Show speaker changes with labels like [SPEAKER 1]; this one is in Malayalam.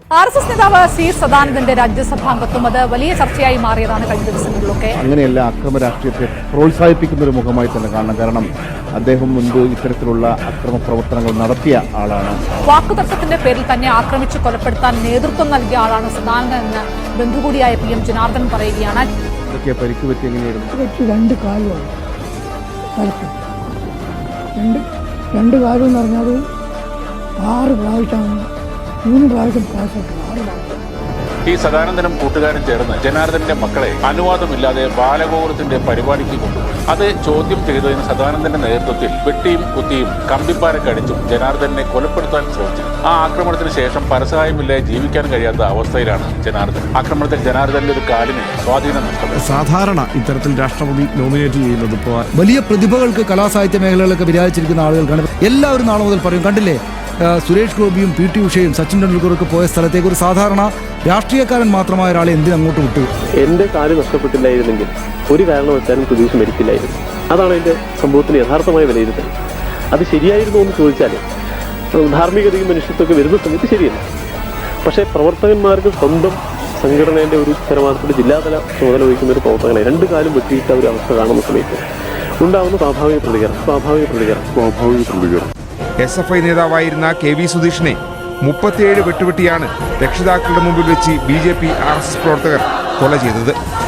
[SPEAKER 1] RSS നേതാവ് സി സദാനന്ദന്റെ രാജ്യസഭാംഗത്വം അത് വലിയ ചർച്ചയായി മാറിയതാണ് കഴിഞ്ഞ ദിവസങ്ങളിലൊക്കെ.
[SPEAKER 2] അങ്ങനെയല്ല, അക്രമ രാഷ്ട്രീയത്തെ പ്രോത്സാഹിപ്പിക്കുന്ന ഒരു മുഖമായി തന്നെ കാണണം. കാരണം അദ്ദേഹം മുൻപ് ഇത്തരത്തിലുള്ള അക്രമ പ്രവർത്തനങ്ങൾ നടത്തിയ ആളാണ്.
[SPEAKER 1] വാക്കുതർക്കത്തിന്റെ പേരിൽ തന്നെ ആക്രമിച്ച് കൊലപ്പെടുത്താൻ നേതൃത്വം നൽകിയ ആളാണ് സദാനന്ദൻ എന്ന് ബന്ധുകൂടിയായ PM ജനാർദ്ദൻ പറയുകയാണ്.
[SPEAKER 2] ഇതൊക്കെ പരിക്ക് പറ്റി എങ്ങനെയായിരുന്നു?
[SPEAKER 3] രണ്ട് കാലും എന്ന് പറഞ്ഞാൽ 6 പ്രാവശ്യമാണ്, 3 പ്രാവശ്യം പാസ്സാക്കി 6 പ്രാവശ്യം.
[SPEAKER 4] ഈ സദാനന്ദനും കൂട്ടുകാരും ചേർന്ന് ജനാർദ്ദന്റെ മക്കളെ അനുവാദമില്ലാതെ ബാലഗോകുലത്തിന്റെ പരിപാടിക്ക് കൊണ്ടുപോയി. അത് ചോദ്യം ചെയ്തതിന് സദാനന്ദന്റെ നേതൃത്വത്തിൽ വെട്ടിയും കുത്തിയും കമ്പിപ്പാരൊക്കെ അടിച്ചും ജനാർദ്ദനെ കൊലപ്പെടുത്താൻ ശ്രമിച്ചു. ആ ആക്രമണത്തിന് ശേഷം പരസഹായമില്ലാതെ ജീവിക്കാൻ കഴിയാത്ത അവസ്ഥയിലാണ് ജനാർദ്ദൻ. ആക്രമണത്തിൽ ജനാർദ്ദന്റെ ഒരു കാലിന് സ്വാധീനം നഷ്ടപ്പെട്ടു.
[SPEAKER 5] സാധാരണ ഇത്തരത്തിൽ രാഷ്ട്രപതി നോമിനേറ്റ് ചെയ്യുന്നത് ഇപ്പോൾ
[SPEAKER 6] വലിയ പ്രതിഭകൾക്ക് കലാസാഹിത്യ മേഖലകളിലൊക്കെ വിരാജിച്ചിരിക്കുന്ന ആളുകൾക്കാണ്. എല്ലാവരും നാളെ മുതൽ പറയും, കണ്ടില്ലേ സുരേഷ് ഗോപിയും PT ഉഷയും സച്ചിൻ ടെണ്ടുൽക്കറൊക്കെ പോയ സ്ഥലത്തേക്ക് ഒരു സാധാരണ രാഷ്ട്രീയക്കാരൻ മാത്രമായ ഒരാളെ എന്തിനങ്ങോട്ട് വിട്ടു?
[SPEAKER 7] എന്റെ കാല് നഷ്ടപ്പെട്ടില്ലായിരുന്നെങ്കിൽ ഒരു കാരണവശാലും പ്രതീക്ഷ മരിക്കില്ലായിരുന്നു. അതാണ് എന്റെ സംഭവത്തിന് യഥാർത്ഥമായ വിലയിരുത്തൽ. അത് ശരിയായിരുന്നു എന്ന് ചോദിച്ചാൽ ധാർമ്മികതയും മനുഷ്യത്വമൊക്കെ വരുന്ന സമയത്ത് ശരിയല്ല. പക്ഷേ പ്രവർത്തകന്മാർക്ക് സ്വന്തം സംഘടനയുടെ ഒരു ഉത്തരവാദിത്തത്തിൽ ജില്ലാതല ചുമതല വഹിക്കുന്ന ഒരു പ്രവർത്തകനെ 2 കാലും വെട്ടിയിട്ട ഒരു അവസ്ഥ കാണുന്ന സമയത്ത് ഉണ്ടാവുന്ന സ്വാഭാവിക പ്രതികരണം.
[SPEAKER 8] SFI നേതാവായിരുന്ന KV സുധീഷിനെ 37 വെട്ടുവെട്ടിയാണ് രക്ഷിതാക്കളുടെ മുമ്പിൽ വെച്ച് BJP RSS പ്രവർത്തകർ കൊല ചെയ്തത്.